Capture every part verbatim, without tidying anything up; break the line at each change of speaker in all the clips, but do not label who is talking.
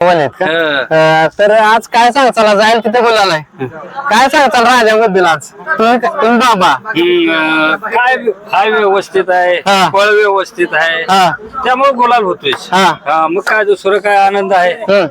पण आहेत का? अं, तर आज काय सांगचाल जाईल तिथे बोलायला काय सांगचाल राजाबद्दल आज तुम्ही तुम्ही बाबा
काय हाय व्यवस्थित आहे
हा.
फळ व्यवस्थित आहे
हा.
त्यामुळे गुलाल होतोय
हा.
हा, मग काय दुसरं काय आनंद आहे.
हम्म.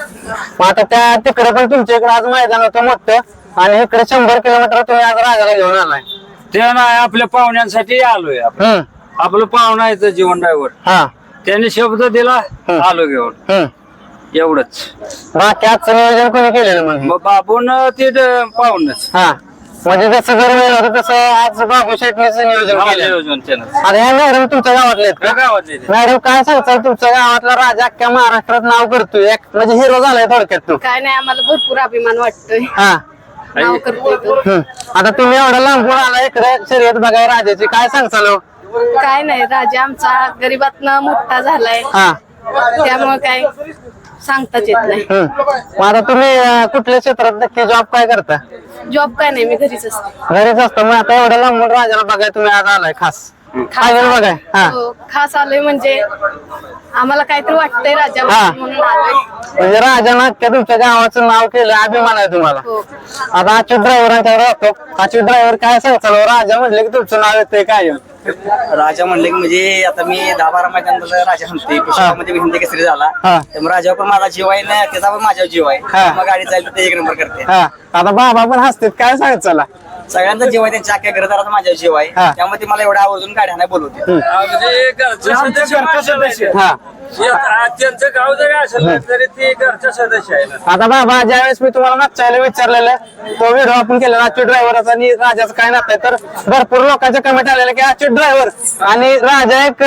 मग आता त्या तिकडे पण तुमच्या इकडे आज मैदान होतं मोठं आणि इकडे शंभर किलोमीटर तुम्ही आज राजाला घेऊन आलाय.
ते नाही आपल्या पाहुण्यांसाठी आलोय आपण.
हम्म.
आपलं पाहुणा आहे जीवन ड्रायव्हर
हा.
त्यांनी शब्द दिला आलो घेऊन
हम्म.
एवढंच.
बाकी आजचं नियोजन कोणी केलेलं मग
मग बाबून ते ड- पाहुणच
हा म्हणजे जसं जर वेळ होतं तसं आज बाबू शेटणीचं नियोजन केलं.
नियोजन त्यानं
आता या मॅडम तुमच्या गावातले आहेत का?
गावातले ते.
मॅडम काय सांगताल तुमच्या गावातला राजा अख्ख्या महाराष्ट्रात नाव करतोय एक म्हणजे हिरो झालाय थोडक्यात तू.
काय नाही आम्हाला भरपूर अभिमान वाटतोय
हा.
नाव करतोय तो.
हम्म. आता तुम्ही एवढा लांबून आला इकडे शर्यत बघाय राजाची काय सांगताल हो?
काय नाही राजा आमचा गरीबातनं मोठा झालाय
हा.
त्यामुळे काय सांगताच येत नाही.
हम्म. मग आता तुम्ही अं, कुठल्या क्षेत्रात नक्की जॉब काय करता?
जॉब काय नाही मी घरीच असते.
घरीच असतो मग आता एवढ्या लांबून राजाला बघाय तुम्ही आज आलाय खास
खास
आलेलं बघाय हा
हो, खास आलोय म्हणजे आम्हाला काहीतरी वाटतंय राजा
हा.
म्हणून आलोय.
म्हणजे राजानं अख्ख्या तुमच्या गावाचं नाव केलं अभिमान आहे तुम्हाला.
हो.
आता अच्युत ड्रायव्हरांच्याकडे राहतो अच्युत ड्रायव्हर काय सांगताल हो? राजा म्हणले की तुमचं नाव येतंय काय
राजा म्हणले की म्हणजे आता मी दहा बारा मैदानात राजा म्हणतोय पुष्पामध्ये हिंद केसरी झाला
हा.
त्यामुळे राजावर पण माझा जीव आहे ना त्याचा पण माझ्यावर जीव आहे
हा.
मग गाडी चालली तर ते एक नंबर करते
हा आता बाबा पण हसतात काय सांगत चला
सगळ्यांचा जीव आहे त्यांच्या अख्ख्या घरदाराचा माझ्यावर जीव आहे
हा.
त्यामुळे ते मला एवढा आवर्जून गाडी नाही बोलवते
म्हणजे घरचे सदस्य माणसं नाही.
हा
या- त्यांचं गाव जरी असेल ना, तरी ते घरचे सदस्य आहे ना.
आता बाबा ज्यावेळेस मी तुम्हाला मागच्या वेळेला विचारलेलं तो व्हिडिओ आपण केला अच्युत ड्रायव्हरचा आणि राजाचं काय नातं आहे तर भरपूर लोकांच्या कमेंट आलेल्या की अच्युत ड्रायव्हर आणि राजा एक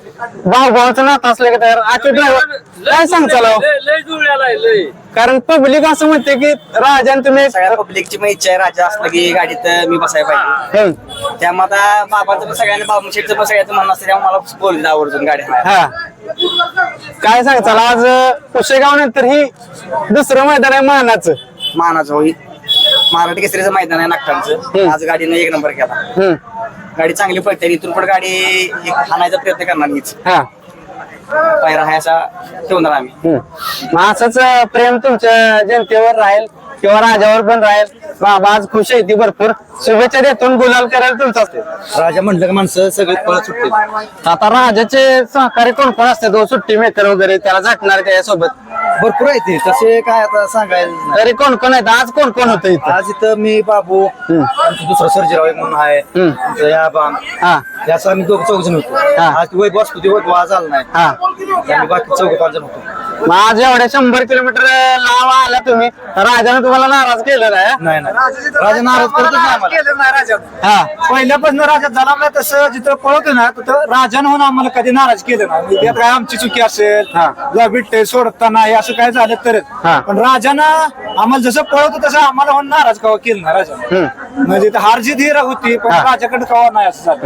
भाऊ भावाचं नातं असलं की तर अच्युत ड्रायव्हर काय सांगताल हो?
लय लय जुळलेला आहे लय.
कारण पब्लिक असं म्हणते की राजा तुम्ही
सगळ्या पब्लिकची पण इच्छा आहे राजा असलं की गाडीत मी बसायला पाहिजे
हम्म.
त्यामुळे आता बाबांचं पण सगळ्यांना बाबू शेठचं पण सगळ्याचं म्हणणं असतं त्यामुळे मला बोलले आवर्जून गाडी
हा काय सांगताल आज पुशेगाव नंतर ही दुसरं मैदान आहे मानाचं.
मानाचं होई महाराष्ट्र केसरीचं मैदान आहे नागठाणचं आज गाडीने एक नंबर केला
हम्म.
गाडी चांगली पडते इथून पण गाडी एक हाणायचा प्रयत्न करणार हीच
हा
पायरा आहे असा ठेवणार आम्ही
हम्म. मग असंच अं, प्रेम तुमच्या जनतेवर राहील किंवा राजावर पण राहील. बाबा आज खुश आहे ती भरपूर शुभेच्छा देतून गुलाल करायला तुमचं असते.
राजा म्हटलं की माणसं सगळे पळत सुटते
आता राजाचे सहकारी कोण कोण असते तो सुट्टी मेकर वगैरे त्याला झटणार त्याच्यासोबत
भरपूर आहे ते तसे काय आता सांगायला
तरी कोण कोण आहेत आज कोण कोण होतं इथं?
आज इथं मी बाबू आमचं दुसरा सर्जीराव एक म्हणून आहे
हम्म.
आमचं या बाम
हा
याचं आम्ही दोघ चौघ जण होतो
हा.
आज ती वैभव असतो ती वैभव आज आला नाही
हा
आम्ही बाकी चौघ पाच जण होतो
मग आज एवढ्या शंभर किलोमीटर लांब आला तुम्ही राजाने तुम्हाला नाराज केलं नाही
नाही नाही राजा नाराज करतच नाही आम्हाला.
हा
पहिल्यापासून राजा झाला ना तसं जिथं पळवतो ना तिथं राजानं होऊन आम्हाला कधी नाराज केलं ना म्हणजे त्यात काय आमची चुकी असेल
हा.
ला बिट्टे सोडताना हे असं काय झालं तरच
हा.
पण राजानं आम्हाला जसं पळवतो तसं आम्हाला होऊन नाराज कवा केलं ना राजा
हम्म.
म्हणजे इथं हार जीत ही होती पण
हा.
राजाकडे कवा नाही असं झालं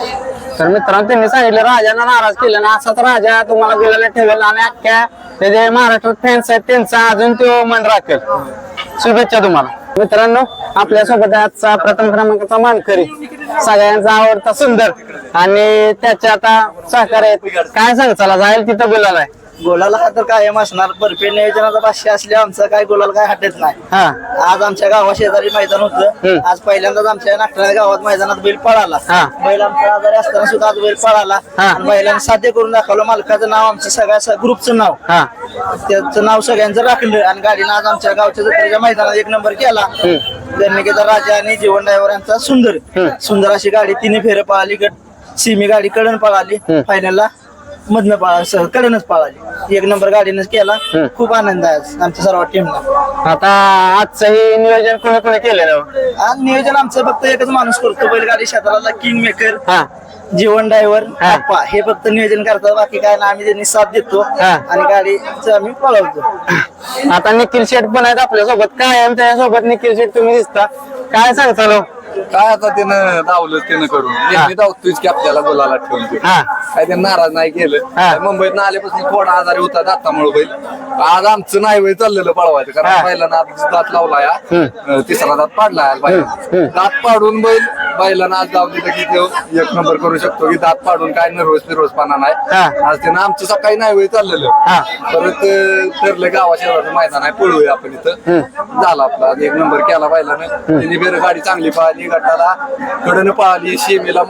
तर मित्रांनो त्यांनी सांगितलं राजानं नाराज केलं ना असाच राजा तुम्हाला गुलाला ठेवेल आणि अख्ख्या ते जे महाराष्ट्रात फॅन्स आहेत त्यांचा अजून तो मन राखेल. शुभेच्छा तुम्हाला मित्रांनो. आपल्या सोबत आजचा प्रथम क्रमांकाचा मानकरी सगळ्यांचा आवडता सुंदर आणि त्याच्या आता सहकार्य आहेत. काय सांगचाला जाईल तिथं बोलायला
गोलाला हा तर कायम असणार बर्फी नियोजनाचा भाष्य असल्या आमचं काय गोलाला काय हटत नाही
हा
आज आमच्या गावा शेजारी मैदान होतं
हम्म.
आज पहिल्यांदाच आमच्या नागठाणा गावात मैदानात बैल पळाला
हा.
बैल आमच्या आजारी असताना सुद्धा आज बैल पळाला
हा.
आणि बैलांनी साध्य करून दाखवलं मालकाचं नाव आमचं सगळ्या ग्रुपचं नाव
हा
त्याचं नाव सगळ्यांचं राखलं आणि गाडीनं आज आमच्या गावच्या जत्रेच्या मैदानात एक नंबर केला जन्मिकेचा राजा आणि जीवन ड्रायव्हर यांचा सुंदर सुंदर अशी गाडी तिने फेरं पळाली गट सिमी गाडी कडन पळाली फायनलला मधनं पळा कडनच पळाली एक नंबर गाडीनच केला खूप आनंद आहे आज आमच्या सर्व टीमला.
आता आजचंही नियोजन कोणी कोणी केलेलं
आज नियोजन आमचं फक्त एकच माणूस करतो बैलगाडी क्षेत्राला किंग मेकर
हा
जीवन ड्रायव्हर
हा.
आप्पा हे फक्त नियोजन करतात बाकी काय ना आम्ही त्यांनी साथ देतो
हा.
आणि गाडीचं आम्ही पळवतो.
आता निखिल शेठ पण आहेत आपल्या सोबत कायम त्याच्यासोबत निखिल शेठ तुम्ही दिसता काय सांगता
काय आता त्यानं धावलं त्यानं करून नेहमी धावतोच की आपल्याला बोलायला ठेवून ते.
हा.
काय त्यानं नाराज नाही केलं
हा.
काय मुंबईत आल्यापासून थोडा आजारी होता दातामुळे बैल आज आमचं नाही वेळ चाललेलं पळवायचं कारण
हा.
पहिला नात दात लावला या तिसरा दात पाडला आज बाहेर. दात पाडून बैल बैलांना आज जाऊ दिलं की तो एक नंबर करू शकतो की दात पाडून काय नर्वस निर्वसपणा
हा.
नाही आज त्यानं आमचं सकाळी नाही वेळ चाललेलं
हा.
परत अं, ठरलं गावा शहराचं मैदान आहे पळूया आपण इथं झाला आपला एक नंबर केला बैलानं तिने बेर गाडी चांगली पळाली गटाला कडनं पळाली शेमीला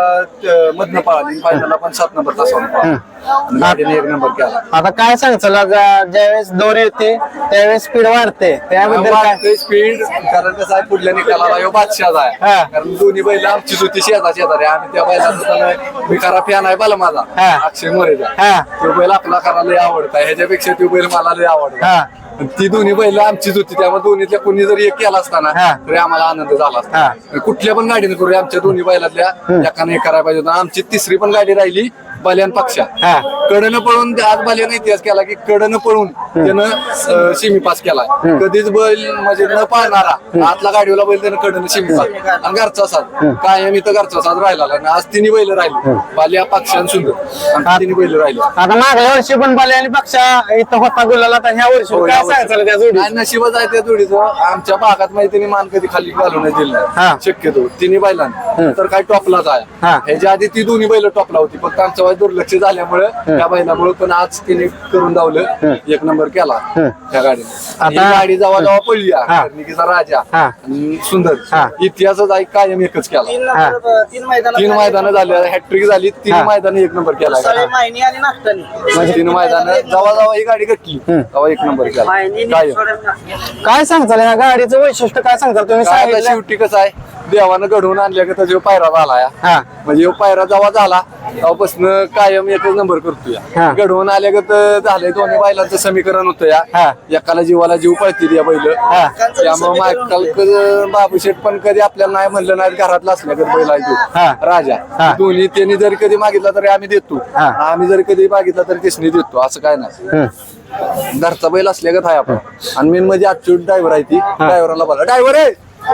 मधनं पळाली फायनलला पण सात नंबर तासावर पळाली आणि गाडीने एक नंबर केला.
आता काय सांगचाल ज्यावेळेस दोरी येते त्यावेळेस स्पीड वाढते त्याबद्दल काय
स्पीड कारण कसं आहे पुढल्या निकालाला ह्यो बादशाह
हा.
आहे कारण दोन्ही बैल आमचीच होती शेजा शेजारी आम्ही त्या बैलाचा मी खरा फॅन आहे बाला माझा
हा.
अक्षय मोरेचा
हा.
तो बैल आपला खरा लय आवडता ह्याच्यापेक्षा तो बैल मला लय आवडता
हा.
ती दोन्ही बैल आमचीच होती त्यामुळे दोन्हीतल्या कोणी जरी एक केला असताना
हा.
तरी आम्हाला आनंद झाला असता कुठल्या पण गाडीने करूया आमच्या दोन्ही बैलातल्या एकाने एक करायला पाहिजे होतं आमची तिसरी पण गाडी राहिली बल्यान पक्षा
हा.
कडनं पळून आज बल्यानं इतिहास केला की कडनं पळून त्यानं शिमी पास केला कधीच बैल म्हणजे न पाळणारा आतला गाडीवाला बैल त्यानं कडनं शिमी पास आणि घरचा साथ कायम इथं घरचा साथ राहिला आणि आज तिन्ही बैल राहिली बाल्या पक्षा आणि सुंदर आणि तिन्ही बैल राहिले.
आता मागल्या वर्षी पण बाले आणि पक्षा इथं होता गुलाला तर ह्या वर्षी काय सांगायचं त्या जोडी
नाही नशीबच आहे त्या जोडीचं आमच्या भागात माहिती तिने मान कधी खाली घालून नाही दिलं
हा.
नाही. शक्यतो तिन्ही बैलांना तर काय टॉपलाच आहे
हा.
ह्याच्या आधी ती दोन्ही बैल टॉपला होती फक्त आमच्या वेळेस दुर्लक्ष झाल्यामुळे त्या बैलामुळे पण आज तिने करून दावलं एक नंबर केला त्या गाडीने आणि ही गाडी जेव्हा जेव्हा पडली कर्णिकीचा राजा
हा.
आणि सुंदर
हा.
इतिहासच आहे कायम एकच केला
तीन नंबर तीन मैदान
तीन मैदानं झाली हॅट्रिक झाली तीन
हा.
मैदानं एक नंबर केला
मायनी आणि नाश्तानी
म्हणजे तीन मैदानं जेव्हा जेव्हा ही गाडी घटली तेव्हा एक नंबर केला कायम.
काय सांगताल या गाडीचं वैशिष्ट्य काय सांगताल तुम्ही
काय आता
सांगितलं
शेवटी कसं आहे देवानं घडवून आणल्या का त्याचा पायरा झाला या
हा.
म्हणजे ह्यो पायरा जेव्हा झाला तेव्हापासून कायम एकच नंबर करतो
हा.
या घडवून आल्या का तर झालंय दोन्ही बैलांचं समीकरण होतं
हा.
या एकाला जीवाला जीव पळतील या बैल
हा.
त्यामुळे मायकाल बाबू शेठ पण कधी आपल्याला नाही म्हणलं नाही घरातला असल्या कधी बैल आहे
हा.
तो राजा
हा.
दोन्ही त्यांनी जरी कधी मागितला तरी आम्ही देतो
हा.
आम्ही जरी कधी मागितला तरी त्यासनी देतो असं काय नाही
हम्म.
घरचा बैल असल्या का आहे आपण आणि मेन म्हणजे आजची ड्रायव्हर आहे ती ड्रायव्हरला बोला ड्रायव्हर आहे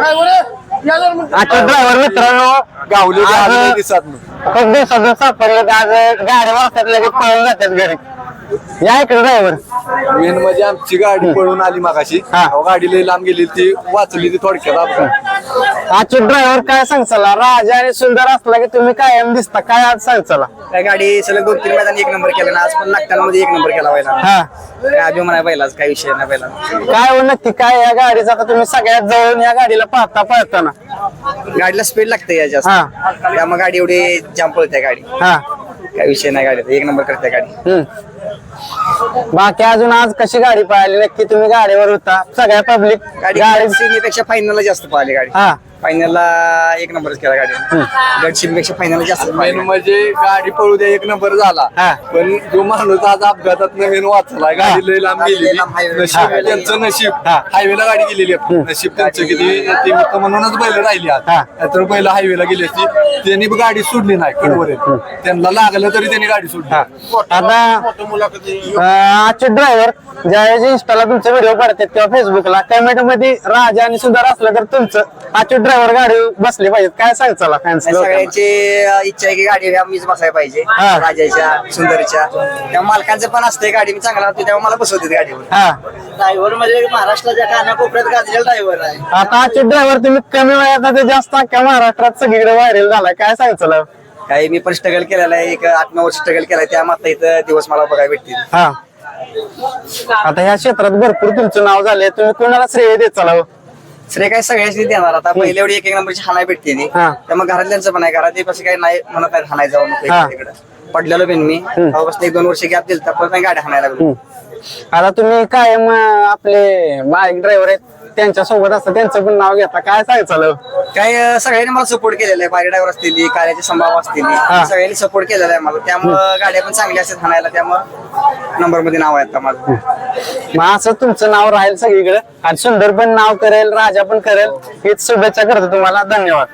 आता ड्रायव्हर मित्रांनो
गावले
आज-
गावले दिसत नाही
खूप दिवसातून सापडले तर आज गाडी वाजतात लगेच पळून जातात घरी या इकडे ड्रायव्हर
मेन म्हणजे आमची गाडी पळून आली मागाशी
हा.
अहो, गाडी लई लांब गेली ती वाचली ती थोडक्यात अपघात.
आजचे ड्रायव्हर काय सांगचाला राजा आणि सुंदर असला की तुम्ही कायम दिसता काय आज सांगचाला
काय गाडी सलग दोन तीन मैदान एक नंबर केला ना आज पण नागटामध्ये एक नंबर केला पहिला
हा
काय अभिमान आहे पहिलाच काही विषय नाही पहिला
काय हो नक्की काय या गाडीचा आता तुम्ही सगळ्यात जवळून या गाडीला पाहता पळताना
गाडीला स्पीड लागते या जास्त
हा.
त्यामुळे गाडी एवढी जाम पळते गाडी
हा
काय विषय नाही गाडीचा एक नंबर करते गाडी
हम्म. बाकी अजून आज कशी गाडी पळाली नक्की तुम्ही गाडीवर होता सगळ्या पब्लिक
गाडी
गाडी
सिमीपेक्षा फायनलला जास्त पळाली गाडी
हा
फायनलला एक नंबरच केला गाडी गड सिमीपेक्षा फायनलला जास्त
मेन
पळाली.
म्हणजे गाडी पळू द्या एक नंबर झाला
हा.
पण जो माणूस आज अपघातात नवीन वाचला गाडी लई लांब गेलेली
लई लांब highway.
नशीब
हा.
त्यांचं नशीब
हा.
हायवेला गाडी गेलेली आहे. नशीब त्यांचं किती ते मित्र म्हणूनच बैल राहिली आज
हा.
तर बैल हायवेला गेली असती त्यांनी बी गाडी सोडली नाही कडवर त्यांना लागलं तरी त्यांनी गाडी सोडली
आता अं, आजचे ड्रायव्हर ज्यावेळेस इंस्टाला तुमचे व्हिडिओ पडतात किंवा फेसबुकला कमेंट मध्ये राजा आणि सुंदर असलं तर तुमचं आजचे ड्रायव्हर गाडी बसले पाहिजेत काय सांगचाला फॅन्स
आणि सगळ्यांची अं, इच्छा आहे की गाडी मीच बसायला पाहिजे
हा.
राजाच्या सुंदरच्या त्या मालकांचं पण असते गाडी मी चांगला होती तेव्हा मला बसवते गाडीवर
हा
ड्रायव्हर म्हणजे महाराष्ट्राच्या कानाकोपऱ्यात गाजलेला ड्रायव्हर आहे
आता आजचे ड्रायव्हर तुम्ही कमी वयात आता जास्त अख्ख्या महाराष्ट्रात सगळीकडे व्हायरल झालाय काय सांगचाल
काही मी पण स्ट्रगल केलेला आहे एक आठ नऊ वर्ष स्ट्रगल केलाय त्या मात्र इथं दिवस मला बघायला भेटतील
हा आता ह्या क्षेत्रात भरपूर तुमचं नाव झालंय तुम्ही कोणाला श्रेय देत चालावं
श्रेय काय सगळ्यांनी देणार आता पहिले एवढी एक एक नंबरची हाणाय भेटते ती
हा.
त्यामुळे घरातल्यांचं पण आहे घरात कसं काही नाही म्हणत नाही हाणाय जाऊ नको
हा.
तिकडे पडलेलो पण मी तेव्हापासून एक दोन वर्ष गॅप दिल तर परत गाडी हाणायला लागलो
आता तुम्ही कायम अं, आपले बाईक ड्रायव्हर आहेत त्यांच्या सोबत असतं त्यांचं पण नाव घेता काय सांगचाल
काय अं, सगळ्यांनी मला सपोर्ट केलेला आहे बारी ड्रायव्हर असतील कार्याचे संभाव असतील सगळ्यांनी सपोर्ट केलेला आहे मला त्यामुळं गाड्या पण चांगल्या असतात हाणायला त्यामुळं नंबर मध्ये नाव आहे आता माझं
मग असं तुमचं नाव राहील सगळीकडे आणि सुंदर पण नाव करेल राजा पण करेल हीच शुभेच्छा करतो तुम्हाला धन्यवाद